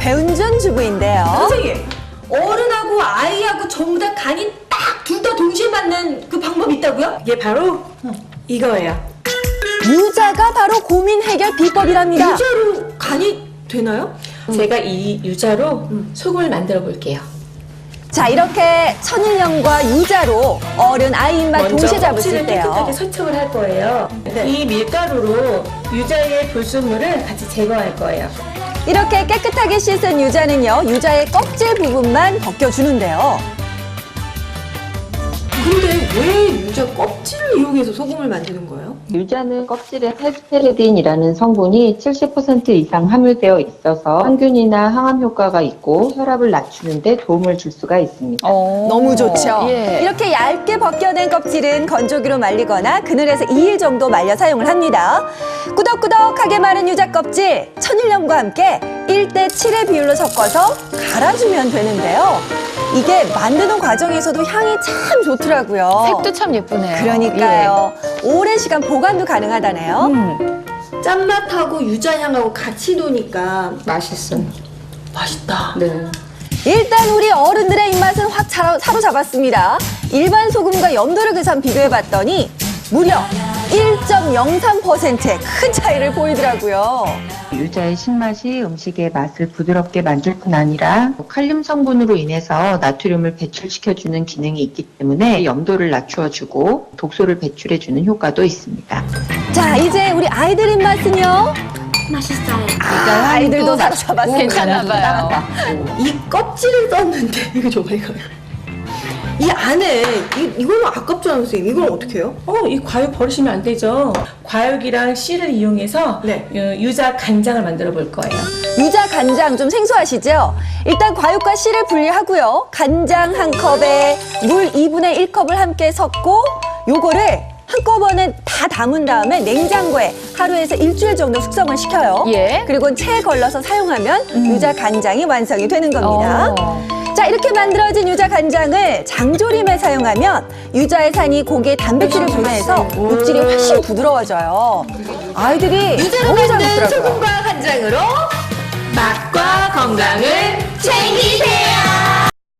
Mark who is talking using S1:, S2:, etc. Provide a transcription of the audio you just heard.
S1: 배은준 주부인데요.
S2: 선생님, 어른하고 아이하고 전부 다 간이 딱 둘 다 동시에 맞는 그 방법이 있다고요? 이게 바로 이거예요.
S1: 유자가 바로 고민 해결 비법이랍니다.
S2: 유자로 간이 되나요?
S3: 제가 이 유자로 소금을 만들어 볼게요.
S1: 자, 이렇게 천일염과 유자로 어른 아이 입맛 동시에 잡으실
S3: 껍질을 깨끗하게
S1: 때요.
S3: 소촉을 할 거예요.
S2: 네.
S3: 이 밀가루로 유자의 불순물을 같이 제거할 거예요.
S1: 이렇게 깨끗하게 씻은 유자는요, 유자의 껍질 부분만 벗겨주는데요.
S2: 근데 왜 유자 껍질을 이용해서 소금을 만드는 거예요?
S4: 유자는 껍질에 헤스페르딘이라는 성분이 70% 이상 함유되어 있어서 항균이나 항암 효과가 있고 혈압을 낮추는 데 도움을 줄 수가 있습니다.
S1: 너무 좋죠.
S5: 예.
S1: 이렇게 얇게 벗겨낸 껍질은 건조기로 말리거나 그늘에서 2일 정도 말려 사용을 합니다. 꾸덕꾸덕하게 마른 유자 껍질, 천일염과 함께 1대7의 비율로 섞어서 갈아주면 되는데요. 이게 만드는 과정에서도 향이 참 좋더라고요.
S5: 색도 참 예쁘네요.
S1: 그러니까요. 오랜 시간 보관도 가능하다네요.
S2: 짠맛하고 유자향하고 같이 도니까
S3: 맛있어.
S2: 맛있다.
S3: 네.
S1: 일단 우리 어른들의 입맛은 확 사로잡았습니다. 일반 소금과 염도르그산 비교해봤더니 무려 1.03%의 큰 차이를 보이더라고요.
S4: 유자의 신맛이 음식의 맛을 부드럽게 만들 뿐 아니라 칼륨 성분으로 인해서 나트륨을 배출시켜주는 기능이 있기 때문에 염도를 낮추어주고 독소를 배출해주는 효과도 있습니다.
S1: 자, 이제 우리 아이들 입맛은요?
S2: 맛있어요.
S1: 아이들도 사로잡았습니다.
S5: 괜찮나 봐요.
S2: 이 껍질을 썼는데 이거 정말 이거요. 이 안에 이거는 아깝잖아요, 선생님. 이건 어떻게 해요?
S3: 이 과육 버리시면 안 되죠. 과육이랑 씨를 이용해서
S2: 네.
S3: 유자 간장을 만들어 볼 거예요.
S1: 유자 간장 좀 생소하시죠? 일단 과육과 씨를 분리하고요. 간장 한 컵에 물 2분의 1컵을 함께 섞고 요거를 한꺼번에 다 담은 다음에 냉장고에 하루에서 일주일 정도 숙성을 시켜요.
S5: 예.
S1: 그리고 체에 걸러서 사용하면 유자 간장이 완성이 되는 겁니다. 자, 이렇게 만들어진 유자 간장을 장조림에 사용하면 유자의 산이 고기의 단백질을 분해해서 육질이 훨씬 부드러워져요. 아이들이
S2: 유자로
S1: 너무 잘
S2: 만든
S1: 먹더라고요.
S2: 소금과 간장으로 맛과 건강을 챙기세요.